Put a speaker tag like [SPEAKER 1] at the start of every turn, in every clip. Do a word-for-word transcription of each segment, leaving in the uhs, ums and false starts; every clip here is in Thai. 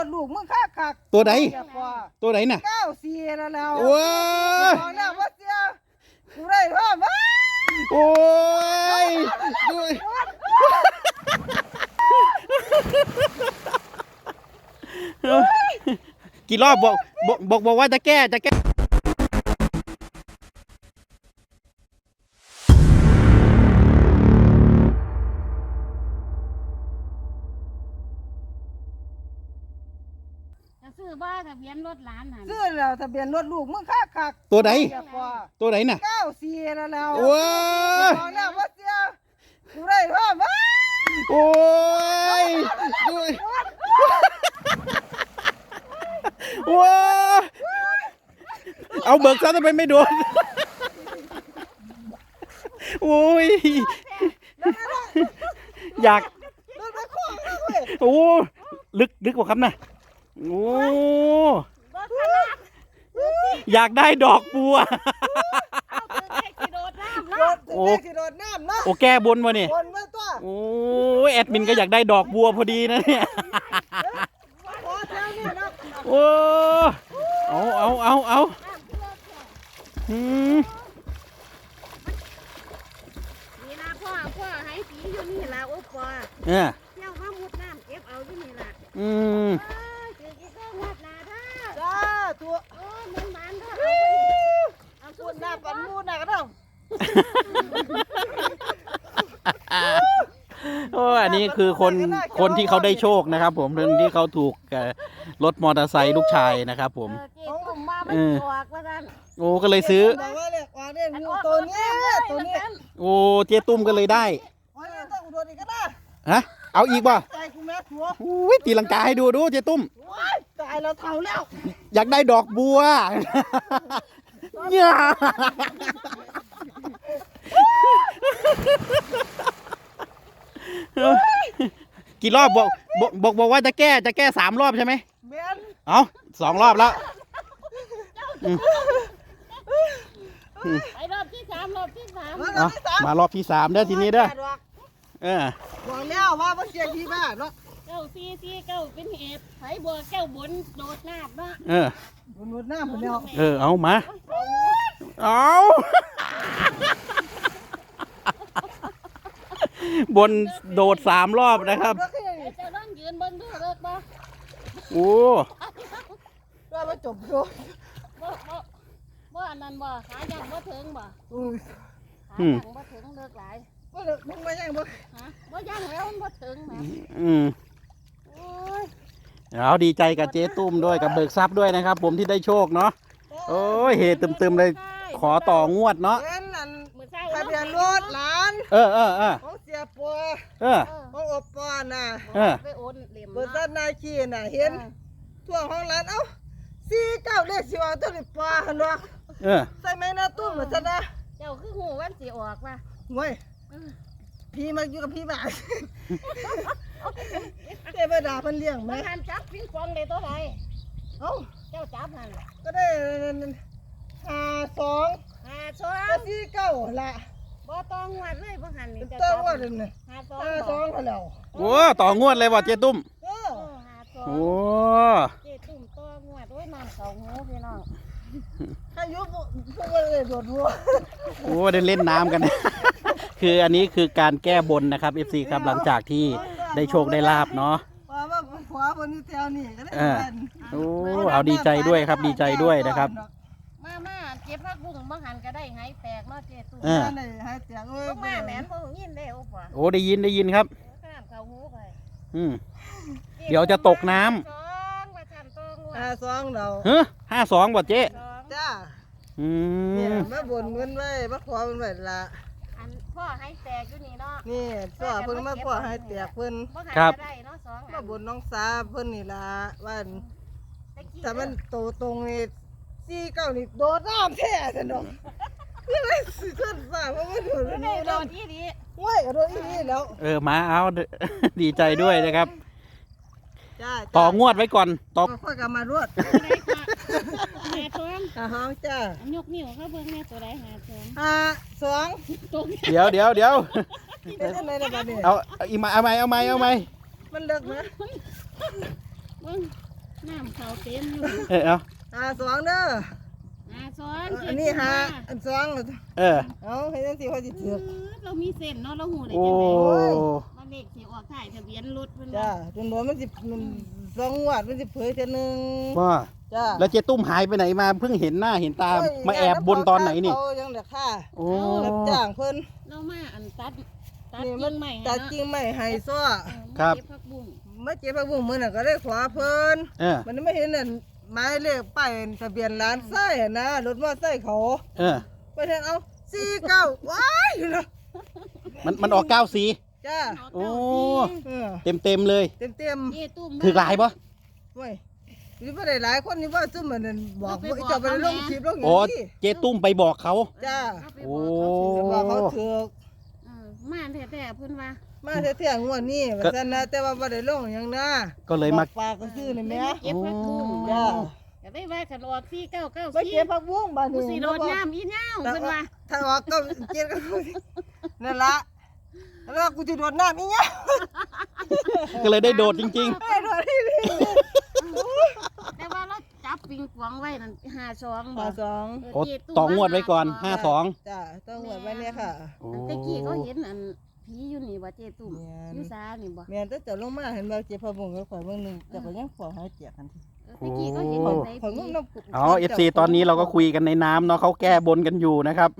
[SPEAKER 1] ลูกมึงค่าคัก
[SPEAKER 2] ตัวไหนตัวไหนน่ะ
[SPEAKER 1] เก้าสี่แล้วแล้ว
[SPEAKER 2] โอ้ย
[SPEAKER 1] บอกแล้วว่าเสียกูได้เพิ่ม
[SPEAKER 2] โอ้ยกี่รอบบอกบอกบอกว่าจะแก้จะแก้
[SPEAKER 3] ซื้อบ้าทะเบียนรถหลานน่ะ
[SPEAKER 1] ซื้อแล้วทะเบียนรถลูกมึงค่าคัก
[SPEAKER 2] ตัวไหนตัวไหนน่ะ
[SPEAKER 1] เก้าสี่แล้วแล้ว
[SPEAKER 2] โอ้ย
[SPEAKER 1] บอกแล้วว่าเสียกูได้เพิ่ม
[SPEAKER 2] โอ้ยว้าเอาเบิกซะทำไมไม่โดนโอ้ยอยากโอ้ลึกลึกกว่าครับนะโอ้อยากได้ดอกบัวโอ้โอ้แก้บนวะนี่โอ้แอดมินก็อยากได้ดอกบัวพอดีนะเนี่ยโอ้เอาเอาเอาเอาอืม
[SPEAKER 3] นี่นะพ่อพ่อให้สีอยู่นี่ละโอ้พ่อ
[SPEAKER 2] เออ
[SPEAKER 3] เที่ยวมามุดน้ำเก็บเอาอยู่นี่ละ
[SPEAKER 2] อืม
[SPEAKER 3] ถือกี่ก็วัดนาท่า
[SPEAKER 1] จ้าตัว
[SPEAKER 3] โอ้มันมันท่า
[SPEAKER 1] เอาพูดหน้าปันมูดหน้าก็ต้อง
[SPEAKER 2] โอ้อันนี้คือคนคนที่เขาได้โชคนะครับผมคนที่เขาถูกรถมอเตอร์ไซค์ลูกชายนะครับผม
[SPEAKER 3] เออ
[SPEAKER 2] โอ้ก็เลยซื้อ
[SPEAKER 1] บอกว่าเลยว่าเนี่ยงูตัวนี้ตัวนี้
[SPEAKER 2] โอ้เจ๊ตุ้มก็เลยได้
[SPEAKER 1] ต้องอุดรอีกก็ได้
[SPEAKER 2] ฮะเอาอีกป่ะ
[SPEAKER 1] ใจกูแม่หัว
[SPEAKER 2] อุ้ยตีลังกาให้ดูดูเจ๊ตุ้ม
[SPEAKER 1] ตายแล้วเท่าแล้ว
[SPEAKER 2] อยากได้ดอกบัวเนี่ยกี่รอบบอกบอกบอกว่าจะแก้จะแก้สามรอบใช่ไหมเอาสองรอบแล้ว
[SPEAKER 3] ไปรอบที่สามรอบที่สาม
[SPEAKER 2] มารอบที่สามเด้อทีนี้เด้อเออ
[SPEAKER 1] บอกแล้วว่ามันเสียที่บ้านเนาะ
[SPEAKER 3] เก้าซีซีเก้าเป็นเหตุไผบัวแก้วบนโดดน้ำเนาะ
[SPEAKER 2] เออ
[SPEAKER 1] โดดน้ำหมดแล้ว
[SPEAKER 2] เออเอามาเอาบนโดดสามรอบนะครับ
[SPEAKER 3] จะต้องยืนบนดูเลิกบ่
[SPEAKER 2] โอ้
[SPEAKER 1] ว่ามาจบดู
[SPEAKER 3] บ่บ่บ่อันนั้นบ่ขายังบ่ถึงบ่
[SPEAKER 1] อือ
[SPEAKER 3] ขายังบ่ถึงเลิกหลาย
[SPEAKER 1] บ่เลิกมึงมายังบ่
[SPEAKER 3] ฮะบ่ยังแล้วมันบ่ถึงแหม
[SPEAKER 2] อืม
[SPEAKER 3] โอ้ย
[SPEAKER 2] เอาดีใจกับเจ๊ตุ้มด้วยกับเบิกทรัพย์ด้วยนะครับผมที่ได้โชคเนาะโอ้ยเฮตึมๆเลยขอต่องวดเนาะ
[SPEAKER 1] ทะเบียนรถหลาน
[SPEAKER 2] เออเออเออ
[SPEAKER 1] ของเสียปัว
[SPEAKER 2] เออ
[SPEAKER 1] ของอบปอนน่ะ
[SPEAKER 2] เออ
[SPEAKER 3] ไปโอนเหลี่ยม
[SPEAKER 1] เบิดด้านนาคีน่ะเห็นทั่วห้องหลานเอ้าสี่เก้าเลขสิว่าตัวนี้ปลาหั่นว่า
[SPEAKER 2] เออ
[SPEAKER 1] ใส่ไหมนะตุ้มเหมือนกันนะ
[SPEAKER 3] เจ้าคือหูวันสิออกว่ะ
[SPEAKER 1] โว้ยพี่มาอยู่กับพี่บ้าเจ้าบ่ด่าเพิ่นเลี้ยงมั้ย
[SPEAKER 3] หันจับปิงปองได้ตัวใด
[SPEAKER 1] เอ้า
[SPEAKER 3] เจ้าจับหั่น
[SPEAKER 1] ก็ได้ห้าสอง
[SPEAKER 3] ห้าสอง
[SPEAKER 1] ก็สี่เก้าล่ะ
[SPEAKER 3] บ่ต้องงวดเลยบ่หันนี่
[SPEAKER 1] จะต้องงวดนี่ห้าสองห้าสองแล้ว
[SPEAKER 2] โอ้ต่องวดเลยว่ะเจ๊ตุ้ม
[SPEAKER 1] เออ
[SPEAKER 3] ห้าสอง
[SPEAKER 2] โอ้
[SPEAKER 3] เจ๊ตุ้มต่องวดโอ้ยน้ำเก่าหูพี่น้อง
[SPEAKER 1] อายุพวกเลยโดดหัว
[SPEAKER 2] โอ้ได้เล่นน้ำกันคืออันนี้คือการแก้บนนะครับ เอฟ ซี ครับหลังจากที่ได้โชคได้ลาบเนาะ
[SPEAKER 1] ว่าว่าขวาบนนี่แถวนี่ก็ได้
[SPEAKER 2] โอ้เอาดีใจด้วยครับดีใจด้วยนะครับ
[SPEAKER 3] มามาเก็บผักบุ้งบางหันก็ได้หายแตกเนาะเจ๊ตุ้ม
[SPEAKER 1] ได้หายแตกเอ้ย
[SPEAKER 3] มาแหมนบ่ยินได้โอ้ป่ะ
[SPEAKER 2] โอ้ได้ยินได้ยินครับ
[SPEAKER 3] ข้ามเขาหูไป
[SPEAKER 2] อืมเดี๋ยวจะตกน้ำ
[SPEAKER 1] ห้าสองเรา
[SPEAKER 2] เฮ้อห้าสองบ่เจ๊
[SPEAKER 1] จ้า
[SPEAKER 2] อื
[SPEAKER 1] มมาบนเงินไว้มาขอเงินไว้ละ
[SPEAKER 3] อันพ่อให้แตกอยู่นี่เนาะ
[SPEAKER 1] นี่พ่อเพิ่นมาพ่อให้แตกเพิ่น
[SPEAKER 2] ครับ
[SPEAKER 1] มาบนน้องสาเพิ่นนี่ละว่าแต่มันโตตรงนี่สี่เก้านี่โดดน้ำแท้ซะเนาะคืออะไรสิขึ้นฟ้าเพราะว่าโดด
[SPEAKER 3] นี่โดดอีนี่
[SPEAKER 1] โอ้ยโดดอีนี่แล้ว
[SPEAKER 2] เออมาเอาดีใจด้วยนะครับต่องวดไว้ก่อนต่อ
[SPEAKER 1] ค่อยกลับมารวด
[SPEAKER 3] หาสอง
[SPEAKER 1] หาห้องจ้าย
[SPEAKER 3] กนิ้วเขาเบิ่งแม่ตัวใดหาสอง
[SPEAKER 1] ห้าสอง
[SPEAKER 2] เดี๋ยวเดี๋ยวเดี๋ยว
[SPEAKER 1] เอา
[SPEAKER 2] อีกมาเอาไหมเอาไหมเอาไหม
[SPEAKER 1] มันเลิกนะ
[SPEAKER 3] มึงน้ำเขาเต็มอยู่
[SPEAKER 2] เออเอา
[SPEAKER 1] หาสองเด้อ
[SPEAKER 3] หาซ้อน
[SPEAKER 1] อันนี้หาอันสอง
[SPEAKER 2] เออ
[SPEAKER 1] เอาให้จังซี่เขาสิ
[SPEAKER 3] เอ
[SPEAKER 1] ถือ
[SPEAKER 3] อเรามีเส้นเนาะเราหูได้
[SPEAKER 2] โอ้
[SPEAKER 3] จังได๋ว่าเลขสิออกถ่ายทะเบียนรถเพิ่น
[SPEAKER 1] จ้า
[SPEAKER 3] ว่า
[SPEAKER 1] จนบ่มันสิมันสองงวดมันสิเผยเทื่อนึง
[SPEAKER 2] ว่า
[SPEAKER 1] จ้า
[SPEAKER 2] แล้วเจ๊ตุ้มหายไปไหนมาเพิ่งเห็นหน้าเห็นตามาแอบบนตอนไหนนี่
[SPEAKER 1] เขายังเด็กค่ะ
[SPEAKER 2] โอ้
[SPEAKER 1] รับจ้างเพิ่น
[SPEAKER 3] เรามาอันตัดตัด
[SPEAKER 1] นี่
[SPEAKER 3] กิ่งใหม่
[SPEAKER 1] ตัดกิ่งไม้ให้ซ้อ
[SPEAKER 2] ครับ
[SPEAKER 3] เก็บผักบุ้ง
[SPEAKER 1] มาเจ็บพระบุ้งมื้อน่ะก็ได้ขอเพิ่น
[SPEAKER 2] เออ
[SPEAKER 1] มันไม่เห็นนั่นหมายเลขป้ายทะเบียนร้านไส้อะนะรถมอไซค์เขา
[SPEAKER 2] เออ
[SPEAKER 1] ไปเห็นเอาสี่เก้าว้ายอยู่นะ
[SPEAKER 2] มันมันออกเก้าสี
[SPEAKER 1] จ้า
[SPEAKER 2] โอ้
[SPEAKER 1] เออ
[SPEAKER 2] เต็มเต็มๆเลย
[SPEAKER 1] เต็มเต็ม
[SPEAKER 3] เยตุ้ม
[SPEAKER 2] ถือหลายปะ
[SPEAKER 1] ๆเว้ยนี่บ่ได้หลายคนนี่ว่าซุ่มมันนั่นบอกว่าจะไปลงคลิปลงอย่าง
[SPEAKER 2] โอ้
[SPEAKER 1] นี้
[SPEAKER 2] เจ๊ตุ้มไปบอกเขา
[SPEAKER 1] จ้า
[SPEAKER 3] เไป
[SPEAKER 2] โอ้
[SPEAKER 3] บอกเขาสิ
[SPEAKER 1] บอกเขาถือก
[SPEAKER 3] เออมาแท้ๆเพิ่นว่า
[SPEAKER 1] มาเที่ยงงวดนี้ว่าซั่นนะแต่ว่าบ่ได้ลงหยังนะ
[SPEAKER 2] ก็เลยมา
[SPEAKER 1] บอกปากก็ซื้อนี่แหม่
[SPEAKER 3] เก็บผักบุ้ง
[SPEAKER 1] จ้า
[SPEAKER 3] ก็ได้ว่าคันออกสี่เก้าเก้า
[SPEAKER 1] ไปเก็บผักบุ้งบ้าน
[SPEAKER 3] กู
[SPEAKER 1] นี้
[SPEAKER 3] สิโดดน้ำอีเหย้าเพิ่นว่า
[SPEAKER 1] ถ้าออกก็เก็บกันนั่นละแล้วกูจะโดดน้ำอีเงี้ย
[SPEAKER 2] ก็เลยได้โดดจริง
[SPEAKER 1] ไอ้โดดที่นี่
[SPEAKER 3] แต่ว่าเราจับปิงปองไว้นั่นห้าสอง
[SPEAKER 1] มาสอง
[SPEAKER 2] ๆ โอ้ต่องวดไว้ก่อนห้าสอง
[SPEAKER 1] จ้าต้องหวดไว้เนี่ยค่ะ
[SPEAKER 2] โอ้
[SPEAKER 3] ตะกี้เขาเห็นอันผีอยู่นี่บ่เจตุ้ม
[SPEAKER 1] แม่น
[SPEAKER 3] อยู่ซานี่บ่
[SPEAKER 1] แม่นแต่จะลงมาเห็นว่าเจ็บพะบุงก็ข่อยเบิ่งหนึงแต่ก็ยังขอหายเจียกันที
[SPEAKER 3] ตะกี้เขาเห็น
[SPEAKER 1] ข่อย
[SPEAKER 3] ใน
[SPEAKER 1] ข่อย
[SPEAKER 3] ผี
[SPEAKER 1] งงน้ำกุ
[SPEAKER 2] เอาเอฟซีตอนนี้เราก็คุยกันในน้ำเนาะเขาแก้บนกันอยู่นะครับ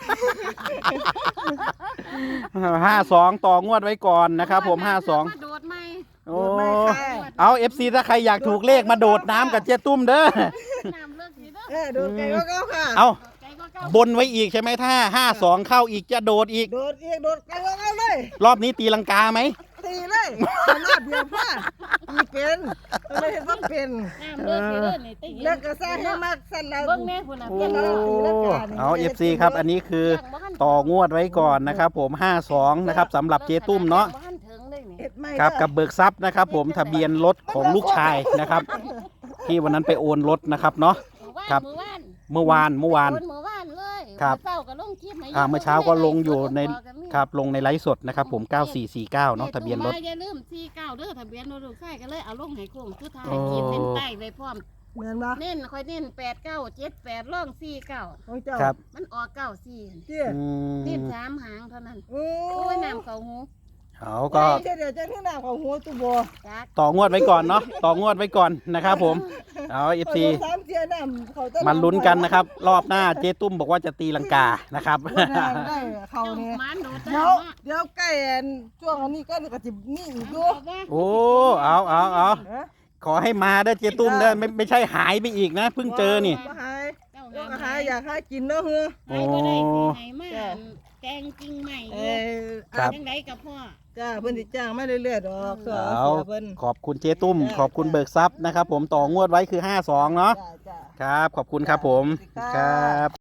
[SPEAKER 2] ห้าสองต่องวดไว้ก่อนนะครับผมห้าสอง
[SPEAKER 3] มาโดดไหม
[SPEAKER 2] โอ้
[SPEAKER 1] ไม่ค่ะ
[SPEAKER 2] เอาเอฟซีถ้าใครอยากถูกเลขมาโดดน้ำกับเจ๊ตุ้มเด้อ
[SPEAKER 3] น้ำเลิกสิเด้อ
[SPEAKER 1] เออโดดไกลก็เก้าค่ะ
[SPEAKER 2] เอา
[SPEAKER 3] ใจก็เก้า
[SPEAKER 2] บนไว้อีกใช่ไหมถ้าห้าสองเข้าอีกจะโดดอีก
[SPEAKER 1] โดดอีกโดดไกลก็เก้าเลย
[SPEAKER 2] รอบนี้ตีลังกาไหม
[SPEAKER 1] ตีเลยขนาดเดียวพ่อตีเป็นไม่เห็นว่าเป็น
[SPEAKER 3] น้ำเลิกสิเด้อนี่ตะกี้
[SPEAKER 1] แล้วก็สร้างให้มากสั้นแล้ว
[SPEAKER 3] เบิ่งแม่พุ่นน่ะ
[SPEAKER 2] โอ้
[SPEAKER 3] เพิ่นว่า
[SPEAKER 1] ตีลังกานี่
[SPEAKER 2] เอาเอฟซีครับ อันนี้คือต่องวดไว้ก่อนนะครับผมห้าสองนะครับสำหรับเจ๊ตุ้มเนาะ
[SPEAKER 3] บ่ทันถึงเลยนี่
[SPEAKER 1] เฮ็ดไม่
[SPEAKER 2] ครับ
[SPEAKER 1] เด้อ
[SPEAKER 2] กับเบิกทรัพย์นะครับ ผมทะเบียนรถของลูกชายนะครับ ที่วันนั้นไปโอนรถนะครับเนาะ ครับ
[SPEAKER 3] มื้อวาน
[SPEAKER 2] เมื่อวานเมื่อวาน
[SPEAKER 3] โอนมื้อวานเลย
[SPEAKER 2] ครับ
[SPEAKER 3] เช้าก็ลงคลิปให้
[SPEAKER 2] อ่าเมื่อเช้าก็ลงอยู่ใน
[SPEAKER 3] บอกกันนี่
[SPEAKER 2] ครับลงในไลฟ์สดนะครับผมเก้าสี่สี่เก้าเนาะทะเบียนรถ
[SPEAKER 3] อย่าลืมสี่เก้าเด้อทะเบียนรถลูกชายก็เลยเอาลงให้โค้งสุดท้าย
[SPEAKER 2] โอ้
[SPEAKER 3] ขีดเส้นใต้ไว้พร้อม
[SPEAKER 1] เหมือนบ่
[SPEAKER 3] เน้นค่อยเน้นแปดเก้าเจ็ดแปดร่องสี่เก้า
[SPEAKER 1] ของเจ้า
[SPEAKER 2] ครับ
[SPEAKER 3] มันออกเก้าสี่
[SPEAKER 1] เจ้า
[SPEAKER 2] อื
[SPEAKER 3] เน้น
[SPEAKER 2] ม
[SPEAKER 3] สามหางเท่านั้น
[SPEAKER 1] โอ้
[SPEAKER 3] โอ้ยน้ำเขาหู
[SPEAKER 2] เอาก็
[SPEAKER 1] เดี๋ยวเดี๋ยวจะที่หน้าของหัวตุบ
[SPEAKER 3] จัก
[SPEAKER 2] ต่องวดไว้ก่อนเนาะต่องวดไว้ก่อนนะครับผมเอาเอฟซี
[SPEAKER 1] สามเทียน้ำเขาจะ
[SPEAKER 2] มันลุ้นกันนะครับ รอบหน้าเจ๊ตุ้มบอกว่าจะตีลังกานะครับ
[SPEAKER 1] ได้ได้เขา
[SPEAKER 3] เจ้า
[SPEAKER 1] เนี่ย
[SPEAKER 3] หมันโดด
[SPEAKER 1] เดี๋ยวเดี๋ยวใกล้อันช่วงอันนี้ก็ก็จะมีอีกอยู่
[SPEAKER 2] โอ้เอาเอาเอา
[SPEAKER 1] เอ๊ะ
[SPEAKER 2] ขอให้มาได้อเจ๊ตุ้มได้อไม่ไม่ใช่หายไปอีกนะเพิ่งเจอนี่
[SPEAKER 1] บ่หาย
[SPEAKER 3] เจ้า
[SPEAKER 1] ก็
[SPEAKER 3] งาม
[SPEAKER 1] หายอยากหากินเนาะเฮ้อ
[SPEAKER 3] หายบ่ได้สิไหนมา
[SPEAKER 1] จ้ะ
[SPEAKER 3] แกงจริงใหม่อ
[SPEAKER 1] เอยู่ อ
[SPEAKER 2] ครับ
[SPEAKER 3] จังไดกับพ่อ
[SPEAKER 1] จ้าเพิ่นสิจ้างมาเรื่อยๆดอกเสือ
[SPEAKER 2] เอา
[SPEAKER 1] เสือเพิ่น
[SPEAKER 2] ขอบคุณเจ๊ตุ้ม ขอบคุณเบิกทรัพย์นะครับ ผมต่องวดไว้คือห้าสองเนาะ
[SPEAKER 1] จ้าจ้า
[SPEAKER 2] ครับ ขอบคุณครับผม
[SPEAKER 1] จ้า
[SPEAKER 2] ครับ